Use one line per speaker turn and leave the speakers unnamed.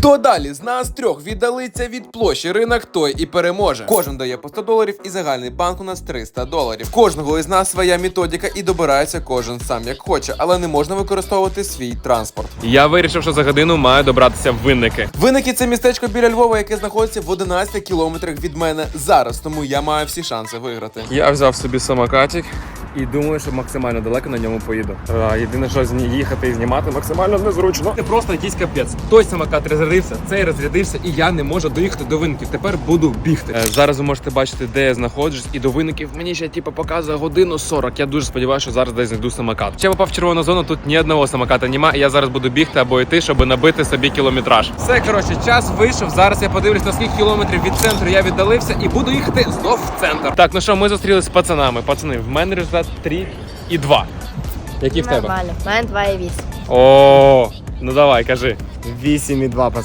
Хто далі з нас трьох віддалиться від площі ринок, той і переможе. Кожен дає по $100 і загальний банк у нас $300. В кожного із нас своя методика і добирається кожен сам як хоче, але не можна використовувати свій транспорт.
Я вирішив, що за годину маю добратися в Винники.
Винники – це містечко біля Львова, яке знаходиться в 11 кілометрах від мене зараз, тому я маю всі шанси виграти.
Я взяв собі самокатик і думаю, що максимально далеко на ньому поїду. Єдине, що їхати і знімати максимально незручно. Це просто якийсь капець. Той самокат розрядився, цей розрядився, і я не можу доїхати до Винників. Тепер буду бігти. Зараз ви можете бачити, де я знаходжусь, і до Винників мені ще показує 1:40. Я дуже сподіваюся, що зараз десь знайду самокат. Ще попав в червону зону, тут ні одного самоката немає, і я зараз буду бігти або йти, щоб набити собі кілометраж. Все, коротше, час вийшов. Зараз я подивлюсь, на скільки кілометрів від центру я віддалився, і буду їхати знов в центр. Так, ну що, ми зустрілися з пацанами. Пацани, в мене результат 3,2. Який в тебе?
Нормально. У мене 2,8.
О, ну давай, кажи.
8,2,